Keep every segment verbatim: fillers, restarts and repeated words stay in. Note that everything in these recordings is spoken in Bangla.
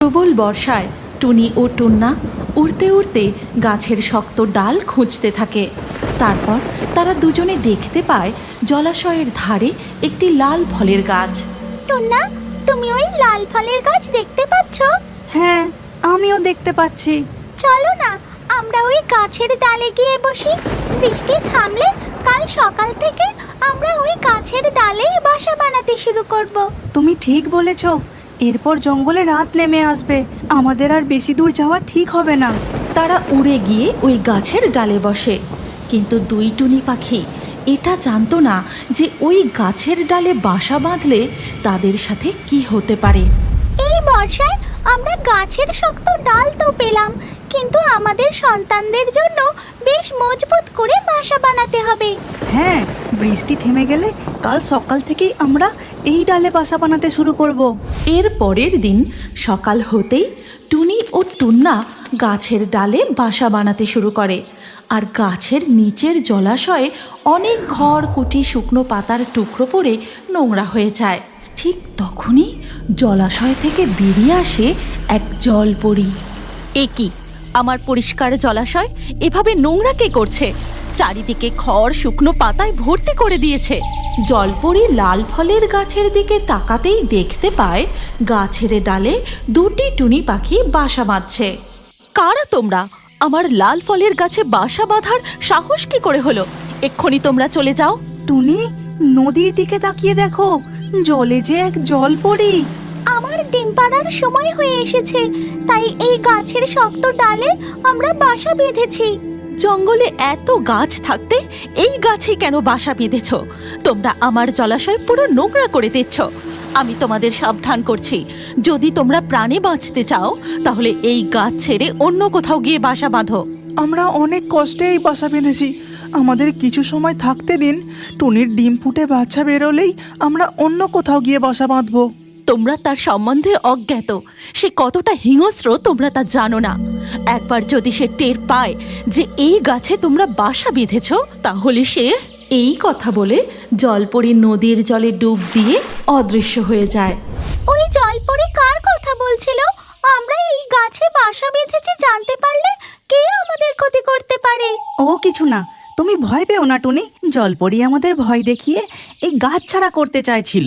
প্রবল বর্ষায় টুনি ও টুন্না উড়তে উড়তে গাছের শক্ত ডাল খুঁজতে থাকে। তারপর তারা দুজনে দেখতে পায় জলাশয়ের ধারে একটি লাল ফলের গাছ। টুন্না, তুমি ওই লাল ফলের গাছ দেখতে পাচ্ছ? হ্যাঁ, আমিও দেখতে পাচ্ছি। চলো না, আমরা ওই গাছের ডালে গিয়ে বসি। বৃষ্টি থামলে কাল সকাল থেকে আমরা ওই গাছের ডালেই বাসা বানাতে শুরু করব। তুমি ঠিক বলেছ। এরপর জঙ্গলে রাত নেমে আসবে, আমাদের আর বেশি দূর যাওয়া ঠিক হবে না। তারা উড়ে গিয়ে ওই গাছের ডালে বসে, কিন্তু দুই টুনি পাখি এটা জানতো না যে ওই গাছের ডালে বাসা বাঁধলে তাদের সাথে কি হতে পারে। এই বর্ষায় আমরা গাছের শক্ত ডাল তো পেলাম, কিন্তু আমাদের সন্তানদের জন্য বেশ মজবুত করে বাসা বানাতে হবে। হ্যাঁ, বৃষ্টি থেমে গেলে কাল সকাল থেকেই আমরা এই ডালে বাসা বানাতে শুরু করব। এর পরের দিন সকাল হতেই টুনি ও টুন্না গাছের ডালে বাসা বানাতে শুরু করে। আর গাছের নিচের জলাশয়ে অনেক ঘর কুটি শুকনো পাতার টুকরো পড়ে নোংরা হয়ে যায়। ঠিক তখনই জলাশয় থেকে বেরিয়ে আসে এক জলপরী। এ কি, আমার পরিষ্কার জলাশয় এভাবে নোংরা কে করছে? চারিদিকে খড় শুকনো পাতায় ভর্তি করে দিয়েছে। জলপরী লাল ফলের গাছের দিকে তাকাতেই দেখতে পায় গাছের ডালে দুটি টুনি পাখি বাসা বাঁধছে। কারা তোমরা? আমার লাল ফলের গাছে বাসা বাঁধার সাহস কি করে হলো? এক্ষুনি তোমরা চলে যাও। টুনি, নদীর দিকে তাকিয়ে দেখো, জলে যে এক জলপরী। আমার ডিম পাড়ার সময় হয়ে এসেছে, তাই এই গাছের শক্ত ডালে আমরা বাসা বেঁধেছি। জঙ্গলে এত গাছ থাকতে এই গাছে কেন বাসা বেঁধেছ? তোমরা আমার জলাশয় পুরো নোংরা করে দিচ্ছ। আমি তোমাদের সাবধান করছি, যদি তোমরা প্রাণে বাঁচতে চাও তাহলে এই গাছ ছেড়ে অন্য কোথাও গিয়ে বাসা বাঁধো। আমরা অনেক কষ্টে এই বাসা বেঁধেছি, আমাদের কিছু সময় থাকতে দিন। টুনির ডিম ফুটে বাচ্চা বেরোলেই আমরা অন্য কোথাও গিয়ে বাসা বাঁধবো। তোমরা তার সম্বন্ধে অজ্ঞাত, সে কতটা হিংস্র তোমরা তা জানো না। একবার যদি সে টের পায় যে এই গাছে তোমরা বাসা বেঁধেছ, তাহলে সে... এই কথা বলে জলপরী নদীর জলে ডুব দিয়ে অদৃশ্য হয়ে যায়। ওই জলপরি কার কথা বলছিল? আমরা এই গাছে বাসা বেঁধেছি জানতে পারলে কে আমাদের ক্ষতি করতে পারে? ও কিছু না, তুমি ভয় পেও না টুনি। জলপরী আমাদের ভয় দেখিয়ে এই গাছ ছাড়া করতে চাইছিল।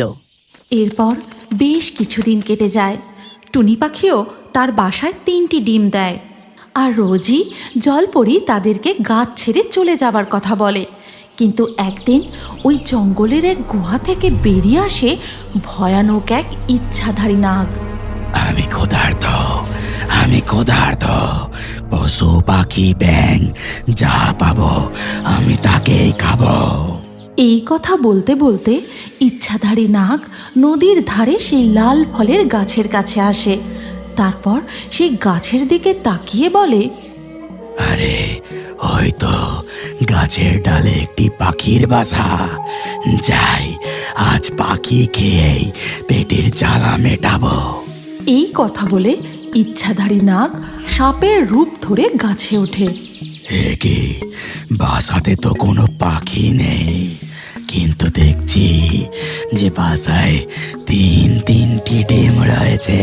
এরপর বেশ কিছুদিন কেটে যায়। টুনি পাখিও তার বাসায় তিনটি ডিম দেয়। আর রোজই জলপরী তাদেরকে গাছ ছেড়ে চলে যাবার কথা বলে। কিন্তু একদিন ওই জঙ্গলের এক গুহা থেকে বেরিয়ে আসে ভয়ানক এক ইচ্ছাধারী নাগ। আমি ক্ষুধার্ত, আমি ক্ষুধার্ত। পশু পাখি ব্যাং যা পাবো আমি তাকেই খাবো। এই কথা বলতে বলতে ইচ্ছাধারী নাগ নদীর ধারে সেই লাল ফলের গাছের কাছে আসে। তারপর সেই গাছের দিকে তাকিয়ে বলে, আরে হয়তো গাছের ডালে একটি পাখির বাসা। যাই, আজ পাখি খেয়েই পেটের জ্বালা মেটাবো। এই কথা বলে ইচ্ছাধারী নাগ সাপের রূপ ধরে গাছে ওঠে। এ কি, বাসাতে তো কোনো পাখি নেই, কিন্তু দেখছি যে বাসায় তিন তিনটি ডিম রয়েছে।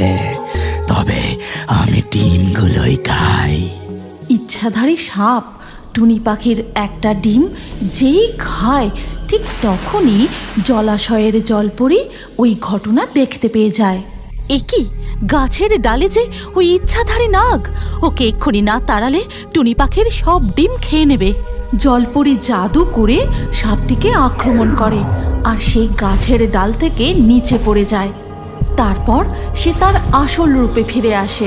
তবে আমি ডিমগুলোই খাই। ইচ্ছাধারী সাপ টুনি পাখির একটা ডিম যেই খায়, ঠিক তখনই জলাশয়ের জলপরী ওই ঘটনা দেখতে পেয়ে যায়। এ কি, গাছের ডালে যে ওই ইচ্ছাধারী নাগ! ওকে এক্ষুনি না তাড়ালে টুনি পাখির সব ডিম খেয়ে নেবে। জলপরী জাদু করে সাপটিকে আক্রমণ করে আর সেই গাছের ডাল থেকে নিচে পড়ে যায়। তারপর সে তার আসল রূপে ফিরে আসে।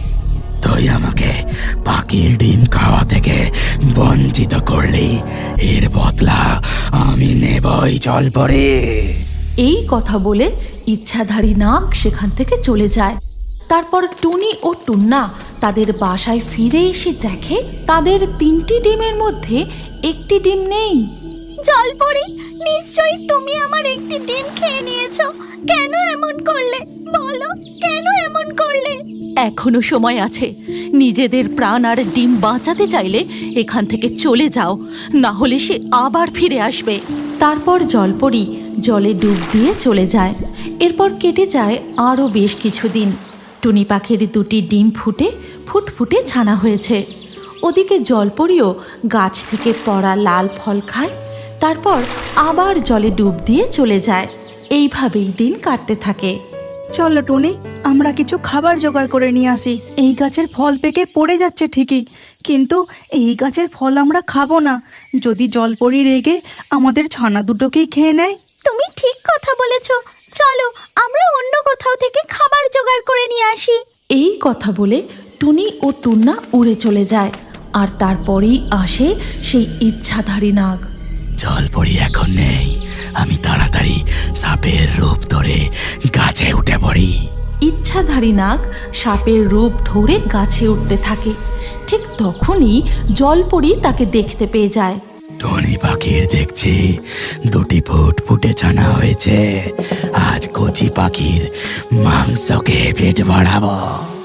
তুই আমাকে পাখির ডিম খাওয়া থেকে বঞ্চিত করলি, এর বদলা আমি নেবই জলপরী। এই কথা বলে ইচ্ছাধারী নাগ সেখান থেকে চলে যায়। তারপর টুনি ও টুন্না তাদের বাসায় ফিরে এসে দেখে তাদের তিনটি ডিমের মধ্যে একটি ডিম নেই। জলপরি, নিশ্চয়ই তুমি আমার একটি ডিম খেয়ে নিয়েছো। কেন এমন করলে? বলো, কেন এমন করলে? এখনো সময় আছে। নিজেদের প্রাণ আর ডিম বাঁচাতে চাইলে এখান থেকে চলে যাও, না হলে সে আবার ফিরে আসবে। তারপর জলপরী জলে ডুব দিয়ে চলে যায়। এরপর কেটে যায় আরও বেশ কিছুদিন। টুনি পাখির দুটি ডিম ফুটে ফুটফুটে ছানা হয়েছে। ওদিকে জলপরীও গাছ থেকে পড়া লাল ফল খায়, তারপর আবার জলে ডুব দিয়ে চলে যায়। এইভাবেই দিন কাটতে থাকে। চলো টুনি, আমরা কিছু খাবার জোগাড় করে নিয়ে আসি। এই গাছের ফল পেকে পড়ে যাচ্ছে ঠিকই, কিন্তু এই গাছের ফল আমরা খাবো না। যদি জলপরি রেগে আমাদের ছানা দুটোকেই খেয়ে নেয়। তুমি ঠিক কথা বলেছ, চলো আমরা অন্য কোথাও থেকে খাবার জোগাড় করে নিয়ে আসি। এই কথা বলে টুনি ও টুন্না উড়ে চলে যায়, আর তারপরেই আসে সেই ইচ্ছাধারী নাগ। জলপরি এখন নেই, আমি তাড়াতাড়ি সাপের রূপ ধরে গাছে উঠে পড়ি। ইচ্ছাধারী নাগ সাপের রূপ ধরে গাছে উঠতে থাকে। ঠিক তখনই জলপরি তাকে দেখতে পেয়ে যায়। টুনি পাখির দেখছি দুটি ফুট ফুটে ছানা হয়েছে, আজ কচি পাখির মাংসকে পেট বাড়াবো।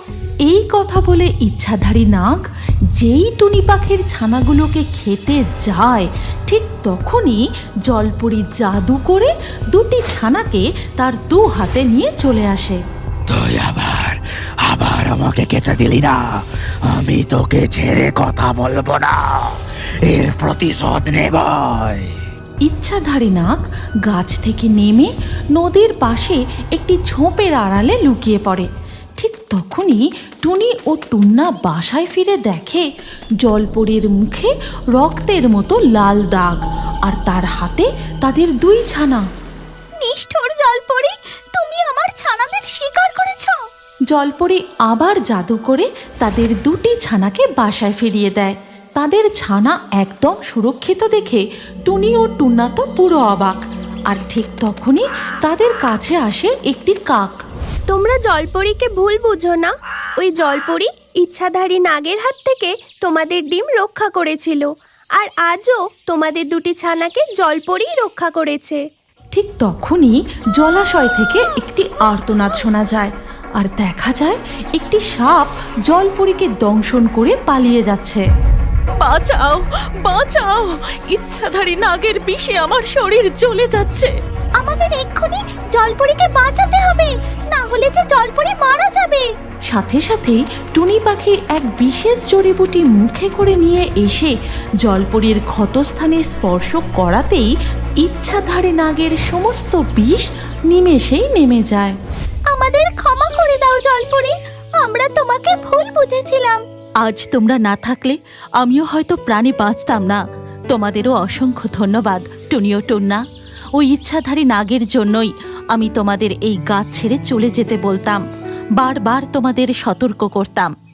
এই কথা বলে ইচ্ছাধারী নাগ যেই টুনি পাখির ছানাগুলোকে খেতে যায়, ঠিক তখনই জলপরি জাদু করে দুটি ছানাকে তার দু হাতে নিয়ে চলে আসে। তুই আবার আবার আমাকে খেতে দিলি না, আমি তোকে ছেড়ে কথা বলবো না, এর প্রতিশোধ নেবই। ইচ্ছাধারী নাগ গাছ থেকে নেমে নদীর পাশে একটি ঝোপের আড়ালে লুকিয়ে পড়ে। ঠিক তখনই টুনি ও টুন্না বাসায় ফিরে দেখে জলপরীর মুখে রক্তের মতো লাল দাগ, আর তার হাতে তাদের দুই ছানা। নিষ্ঠুর জলপরি, তুমি আমার ছানাদের শিকার করেছো। জলপরি আবার জাদু করে তাদের দুটি ছানাকে বাসায় ফিরিয়ে দেয়। তাদের ছানা একদম সুরক্ষিত দেখে টুনি ও টুন্না তো পুরো অবাক। আর ঠিক তখনই তাদের কাছে আসে একটি কাক। তোমরা জলপরীকে ভুল বুঝো না, ওই জলপরী ইচ্ছাধারী নাগের হাত থেকে তোমাদের ডিম রক্ষা করেছিল, আর আজও তোমাদের দুটি ছানাকে জলপরী রক্ষা করেছে। ঠিক তখনই জলাশয় থেকে একটি আর্তনাদ শোনা যায়, আর দেখা যায় একটি সাপ জলপরীকে দংশন করে পালিয়ে যাচ্ছে। বাঁচাও, বাঁচাও, ইচ্ছাধারী নাগের বিষে আমার শরীর জ্বলে যাচ্ছে। আমাদের এক্ষুনি জলপরীকে বাঁচাতে হবে, না হলে যে জলপরী মারা যাবে। সাথে সাথেই টুনি পাখি এক বিশেষ জড়িবুটি মুখে করে নিয়ে এসে জলপরীর ক্ষতস্থানে স্পর্শ করাতেই ইচ্ছাধারী নাগের সমস্ত বিষ নিমেষেই নেমে যায়। আমাদের ক্ষমা করে দাও জলপরী, আমরা তোমাকে ভুল বুঝেছিলাম। আজ তোমরা না থাকলে আমিও হয়তো প্রাণে বাঁচতাম না। তোমাদেরও অসংখ্য ধন্যবাদ টুনি ও টুন্না। ওই ইচ্ছাধারী নাগের জন্যই আমি তোমাদের এই গাছ ছেড়ে চলে যেতে বলতাম, বারবার তোমাদের সতর্ক করতাম।